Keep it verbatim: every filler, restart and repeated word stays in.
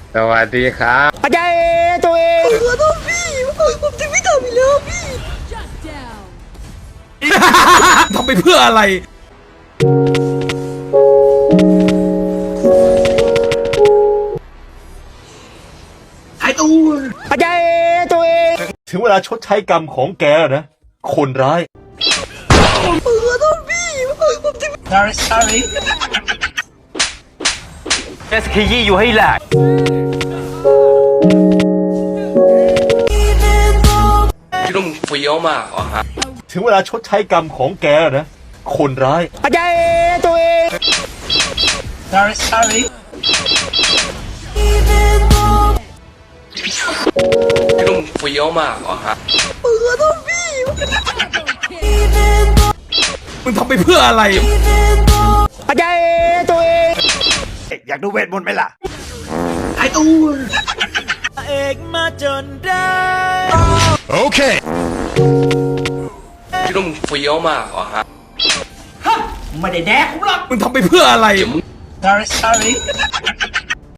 สวัสดีครับอาจารย์ตัวเองขอโทษพี่ผมจะไม่ทำอีกแล้วพี่ทำไปเพื่ออะไรหายตัวอาจารย์ตัวเองถึงเวลาชดใช้กรรมของแกแล้วนะคนร้ายขอโทษพี่ผมจะ sorry sorry เอสคียี่อยู่ให้แหลกพี่ต้องเฟี้ยวมากเหรอฮะถึงเวลาชดใช้กรรมของแกแล้วนะคนร้ายอาจารย์ตัวเอง sorry sorry พี่ต้องเฟี้ยวมากเหรอฮะขอโทษพี่มึงทำไปเพื่ออะไรอาจารย์ตัวเองอยากดูเวทมนต์ไหมล่ะหายตัวเอกมาจนได้โอเคพี่ต้องเฟี้ยวมากเหรอฮะไม่ได้แดกกูหรอกมึงทำไปเพื่ออะไรเดี๋ยวมึง sorry sorry